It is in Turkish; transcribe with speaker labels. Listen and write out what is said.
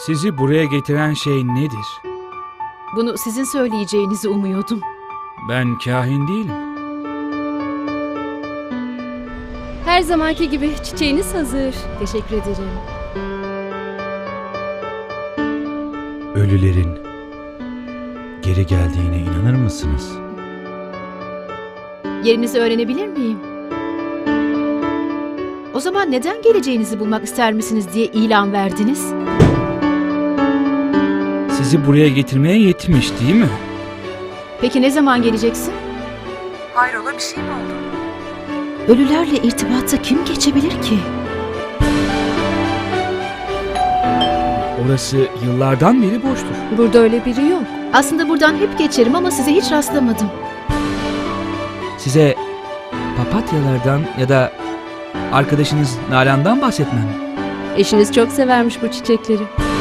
Speaker 1: Sizi buraya getiren şey nedir?
Speaker 2: Bunu sizin söyleyeceğinizi umuyordum.
Speaker 1: Ben kahin değilim.
Speaker 3: Her zamanki gibi çiçeğiniz hazır.
Speaker 2: Teşekkür ederim.
Speaker 4: Ölülerin geri geldiğine inanır mısınız?
Speaker 2: Yerinizi öğrenebilir miyim? O zaman neden geleceğinizi bulmak ister misiniz diye ilan verdiniz?
Speaker 1: Sizi buraya getirmeye yetmiş değil mi?
Speaker 2: Peki ne zaman geleceksin?
Speaker 5: Hayrola bir şey mi oldu?
Speaker 2: Ölülerle irtibata kim geçebilir ki?
Speaker 1: Orası yıllardan beri boştur.
Speaker 3: Burada öyle biri yok.
Speaker 2: Aslında buradan hep geçerim ama size hiç rastlamadım.
Speaker 1: Size papatyalardan ya da arkadaşınız Nalan'dan bahsetmem.
Speaker 3: Eşiniz çok severmiş bu çiçekleri.